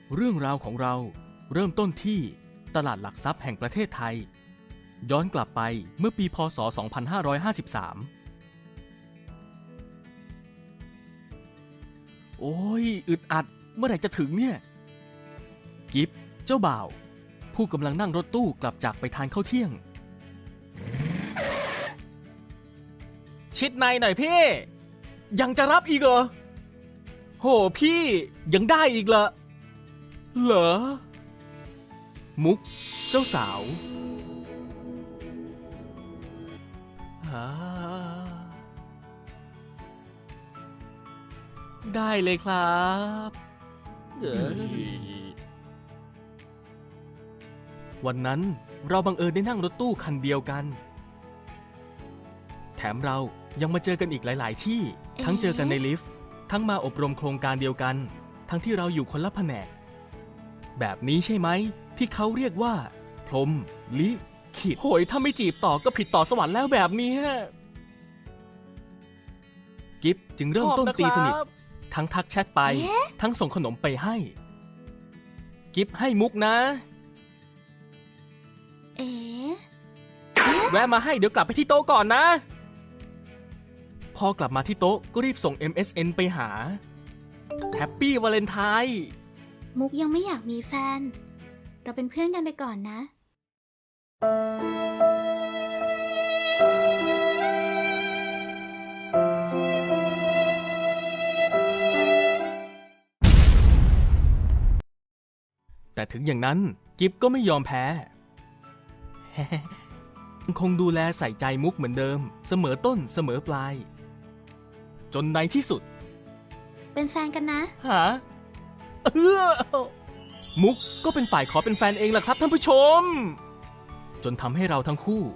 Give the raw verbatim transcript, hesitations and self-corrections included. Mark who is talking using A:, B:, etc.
A: เรื่องราวของเราเริ่มต้นที่ตลาดหลักทรัพย์แห่งประเทศไทยย้อนกลับไปเมื่อปีพ.ศ. สองพันห้าร้อยห้าสิบสาม โอ้ยอึดอัดเมื่อไหร่จะถึงเนี่ยกิฟเจ้าบ่าวผู้กำลังนั่งรถตู้กลับจากไปทานข้าวเที่ยงชิดในหน่อยพี่ยังจะรับอีกเหรอโหพี่ยังได้อีกเหรอเหรอมุกเจ้าสาวได้เลยครับวันนั้นเราบังเอิญได้นั่งรถตู้คันเดียวกันแถมเรายังมาเจอกันอีกหลายๆที่ทั้งเจอกันในลิฟต์ทั้งมาอบรมโครงการเดียวกันทั้งที่เราอยู่คนละแผนกแบบนี้ใช่ไหมที่เขาเรียกว่าพรหมลิขิตโหยถ้าไม่จีบต่อก็ผิดต่อสวรรค์แล้วแบบนี้กิฟจึงเริ่มต้นตีสนิททั้งทักแชทไปทั้งส่งขนมไปให้กิฟให้มุกนะ
B: เอ๋
A: แวะมาให้เดี๋ยวกลับไปที่โต๊ะก่อนนะพอกลับมาที่โต๊ะก็รีบส่ง เอ็ม เอส เอ็น ไปหาแฮปปี้วาเลนไทน์
B: มุกยังไม่อยากมีแฟนเราเป็นเพื่อนกันไปก่อนนะ
A: แต่ถึงอย่างนั้นกิฟก็ไม่ยอมแพ้ คงดูแลใส่ใจมุกเหมือนเดิมเสมอต้นเสมอปลายจนในที่สุด
B: เป็นแฟนกันนะ
A: ฮะเออมุกก็เป็นฝ่ายขอเป็นแฟนเองล่ะครับท่านผู้ชมจนทำให้เราทั้งคู่